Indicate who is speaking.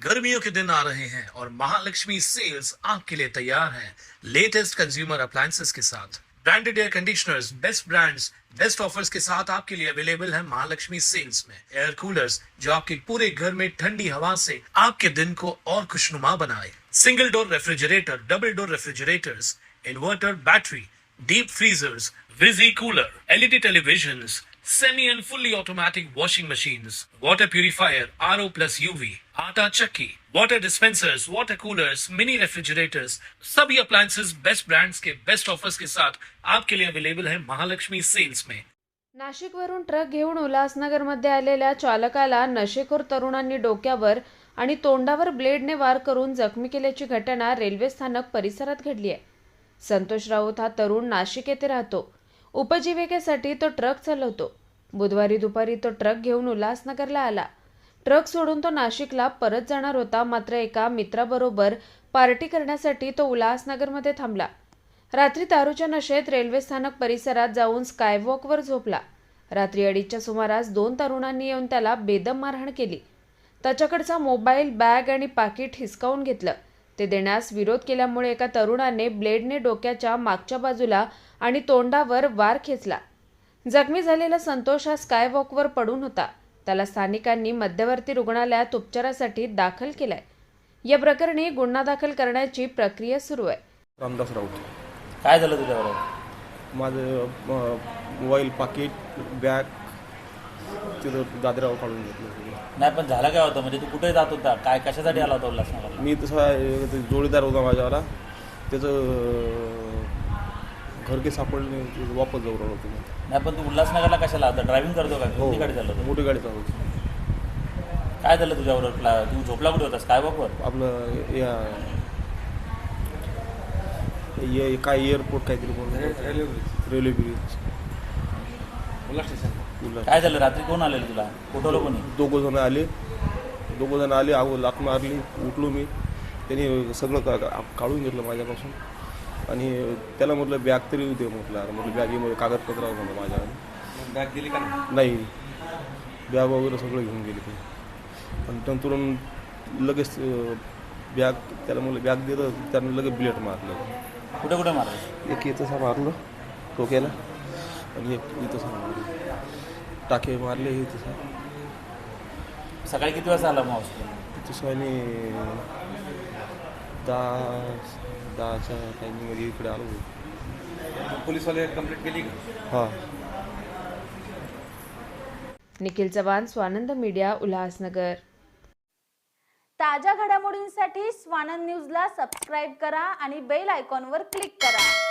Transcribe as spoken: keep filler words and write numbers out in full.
Speaker 1: गर्मियों के दिन आ रहे हैं और महालक्ष्मी सेल्स आपके लिए तैयार है लेटेस्ट कंज्यूमर अप्लायंसेस के साथ। Branded air conditioners, best brands, best offers के साथ आपके लिए अवेलेबल है महालक्ष्मी सेल्स में। एयर कूलर्स जो आपके पूरे घर में ठंडी हवा से आपके दिन को और खुशनुमा बनाए। Single door refrigerator, double door refrigerators, inverter battery, deep freezers, विजी cooler, LED televisions, semi and fully automatic washing machines, water purifier, R O plus U V, आटा चक्की, water dispensers, water coolers, mini refrigerators, सभी appliances best brands के best offers के साथ आपके लिए available है महालक्ष्मी सेल्स में।
Speaker 2: नाशिकवरून ट्रक घेऊन उल्हासनगरमध्ये आलेल्या चालकाला नशेखोर तरुणांनी डोक्यावर आणि तोंडावर ब्लेडने वार करून जखमी केल्याची घटना रेल्वे स्थानक परिसरात घडली आहे। संतोष राऊत हा तरुण नाशिक येथे राहतो। उपजीविकेसाठी तो ट्रक चालवतो। बुधवारी दुपारी तो ट्रक घेऊन उल्हासनगरला आला। ट्रक सोडून तो नाशिकला परत जाणार होता, मात्र एका मित्राबरोबर पार्टी करण्यासाठी तो उल्हासनगरमध्ये थांबला। रात्री दारूच्या नशेत रेल्वे स्थानक परिसरात जाऊन स्कायवॉकवर झोपला। रात्री अडीचच्या सुमारास दोन तरुणांनी येऊन त्याला बेदम मारहाण केली। त्याच्याकडचा मोबाईल, बॅग आणि पाकिट हिसकावून घेतलं। ते देण्यास विरोध केल्यामुळे एका तरुणाने ब्लेडने डोक्याच्या मागच्या बाजूला आणि तोंडावर वार खेचला। जखमी झालेला संतोष हा स्कायवॉकवर पडून होता। त्याला स्थानिकांनी मध्यवर्ती रुग्णालयात उपचारासाठी दाखल केलाय। या प्रकरणी गुन्हा दाखल करण्याची प्रक्रिया सुरू आहे।
Speaker 3: रामदास राऊत,
Speaker 4: काय झालं तुझ्यावर?
Speaker 3: माझं मोबाईल, पाकिट, बॅग तिथं दादरावर काढून घेतलं।
Speaker 4: नाही, पण झालं काय होतं? म्हणजे तू कुठे जात होता? काय कशासाठी आला होता उल्हासनगरला?
Speaker 3: मी तसा जोडीदार होता माझ्यावाला, त्याचं घर के सापडले, वापस जाऊ राहिलो होतो।
Speaker 4: नाही, पण तू उल्हासनगरला कशाला होता? ड्रायव्हिंग करतो का? कोणती गाडी चालवतो?
Speaker 3: मोठी गाडी चालवतो।
Speaker 4: काय झालं तुझ्यावर? तू झोपला कुठे होतास? काय बाबा
Speaker 3: आपलं या ये काय एअरपोर्ट काहीतरी बोलतो, रेल्वे ब्रिज,
Speaker 4: उल्हास स्टेशन। काय झालं? रात्री कोण आलेलं तुला? उठवलं कोणी?
Speaker 3: दोघं जण आले दोघं जण आले अगो लात मारली। उठलो मी, त्यांनी सगळं का काढून घेतलं माझ्यापासून आणि त्याला म्हटलं बॅग तरी दे म्हटलं। अरे म्हटलं बॅगेमध्ये कागदपत्र म्हणलं माझ्या।
Speaker 4: बॅग दिली का?
Speaker 3: नाही, बॅग वगैरे सगळं घेऊन गेले ते। आणि नंतरून लगेच बॅग त्याला म्हटलं बॅग दिलं, त्यानं लगेच ब्लेड मारलं।
Speaker 4: कुठे कुठे मारलं?
Speaker 3: एक इथं सा मारलं डोक्याला आणि एक इथं सा मारलं, टाके मारले हे तसं।
Speaker 4: सकाळी किती वाजता आला मावस?
Speaker 3: तसं आणि दहा दहाच्या टायमिंगमध्ये इकडे आलो।
Speaker 4: पोलीसवाले कंप्लेंट केली का?
Speaker 3: हां।
Speaker 2: निखिल चव्हाण, स्वानंद मीडिया, उल्हासनगर।
Speaker 5: ताज्या घडामोडींसाठी स्वानंद न्यूजला सबस्क्राईब करा आणि बेल आयकॉनवर क्लिक करा।